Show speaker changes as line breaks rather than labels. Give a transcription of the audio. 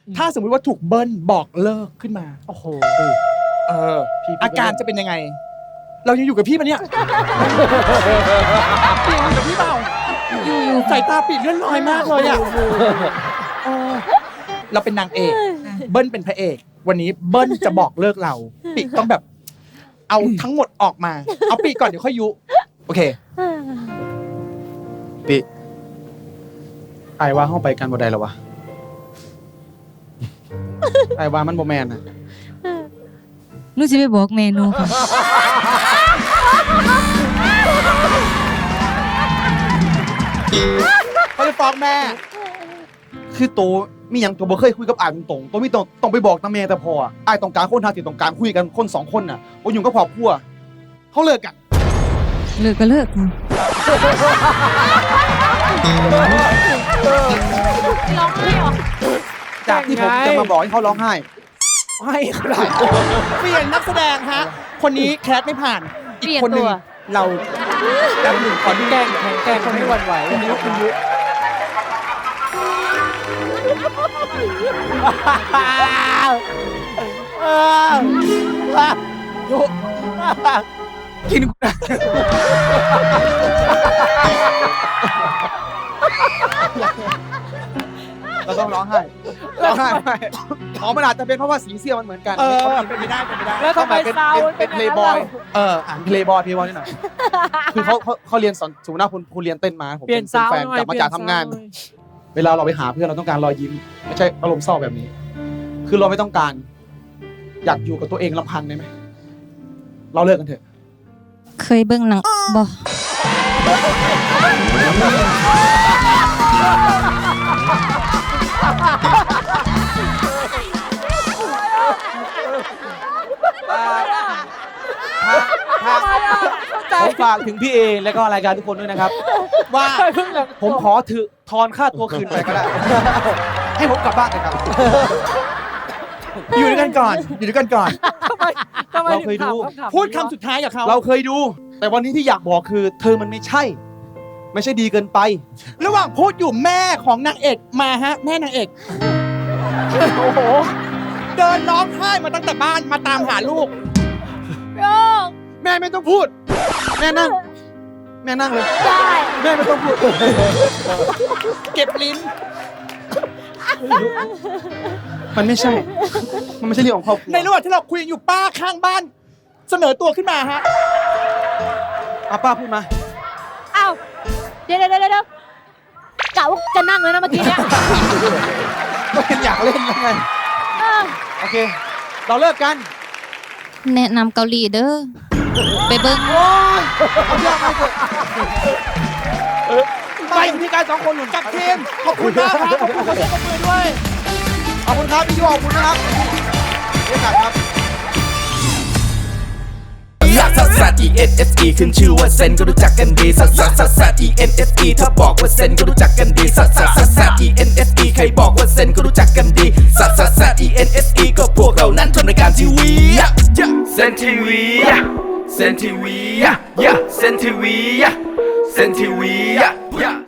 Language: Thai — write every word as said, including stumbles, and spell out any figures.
ถ้าสมมุติว่าถูกเบิ้ลบอกเลิกขึ้นมาโอ้โหเอออาการจะเป็นยังไงเรายังอยู่กับพี่ปะเนี่ยปีอยู่กับพี่เปล่าอยู่สายตาปีเลื่อนลอยมากเลยอ่ะเราเป็นนางเอกเบิ้ลเป็นพระเอกวันนี้เบิ้ลจะบอกเลิกเราปีต้องแบบเอาทั้งหมดออกมาเอาปีก่อนเดี๋ยวค่อยยุโอเคปีไอ้ว่าห้องไปกันบ่ได้หรอวะไอ้ว่ามันบ่แมนนะ
หนูจะไปบอกเมนูค่ะ
เขาจะฟ้องแม่คือโตมีอย่างตัวบ่เคยคุยกับอ้ายตรงๆตัวมีต้องต้องไปบอกตาแม่แต่พออ้ายต้องการคนทางที่ต้องการคุยกันคนสองคนน่ะบ่อยู่กับครอบครัวเขาเลิกกัน
เลิกก็เลิกค่ะ
ร้องไห้หรอ
จากที่ผมจะมาบอกให้เขาร้องไห้ให้เขาได้เปลี่ยนนักแสดงฮะคนนี้แคสไม่ผ่านอีกคนนึงเราดำหนึ่งขอดูแกงแข็งแกงคนไม่หวั่นไหวคนนี้ก็คุณยุยุกินกูนะเราต้องร้องไห้ร้องไห้ไม่อ๋อมันอาจจะเป็นเพราะว่าสีเสื้อมันเหมือนกันเออเป็นไปได้เป็นไปได้
แล้วทำไมเป็น
เป็นเพลย์บอยเอออ่านเพลย์บอยเพลย์บอยนี่หน่อยคือเขาเขาเขาเรียนสอนสมมติว่าคุณคุณเรียนเต้นมาผมเป็นแฟนกลับมาจากทำงานเวลาเราไปหาเพื่อนเราต้องการรอยยิ้มไม่ใช่อารมณ์เศร้าแบบนี้คือเราไม่ต้องการอยากอยู่กับตัวเองลำพังได้ไหมเราเลิกกันเถอะ
เคยเบิ่งหนังบ่
ผมฝากถึงพี่เอและก็รายการทุกคนด้วยนะครับว่าผมขอถือทอนค่าตัวคืนไปก็ได้
ให้ผมกลับบ้านเลยครับอยู่ด้วยกันก่อนอยู่ด้วยกันก่อน
เราเคยดู
พูดคำสุดท้ายกับเขา
เราเคยดูแต่วันนี้ที่อยากบอกคือเธอมันไม่ใช่ไม่ใช่ดีเกินไประ
หว่างพูดอยู่แม่ของนางเอกมาฮะแม่นางเอกโอ้โหเดินร้องไห้มาตั้งแต่บ้านมาตามหาลูกแม่ไม่ต้องพูดแม่นั่งแม่นั่งเลยได้แม่ไม่ต้องพูดเก็บลิ้น
มันไม่ใช่มันไม่ใช่เรื่องของครอบครัว
ในระหว่างที่เราคุยอยู่ป้าข้างบ้านเสนอตัวขึ้นมาฮะ
อาป้าพูดมา
อ้าวเดี๋ยวเดี๋ยวเดี๋ยวกะว่าจะนั่งเลยนะเมื่อกี้เนี้ย
ก็เป็นอยากเล่นแล้วไงโอเคเราเลิกกัน
แนะนำเกาหลีเด้อไปเบิ่ง
โอ้ยเอาเรื่องมาเถอะไปที่การสองคนหนุนกับทีม
ขอบคุณมากครับขอบคุณขอบคุณมือด้วย
ขอบคุณครับพี่ยูขอบคุณนะครับเรียกครับ
ลักซัสซัส E N S E ขึ้นชื่อว่าเซนก็รู้จักกันดีซัสซัสซัสซัส E N S E ถ้าบอกว่าเซนก็รู้จักกันดีซัสซัสซัสซัส E N S E ใครบอกว่าเซนก็รู้จักกันดีซัสซัสซัส E N S E ก็พวกเรานั้นทำรายการทีวีเซนทีวีเซนทีวีเซนทีวีเซนทีวี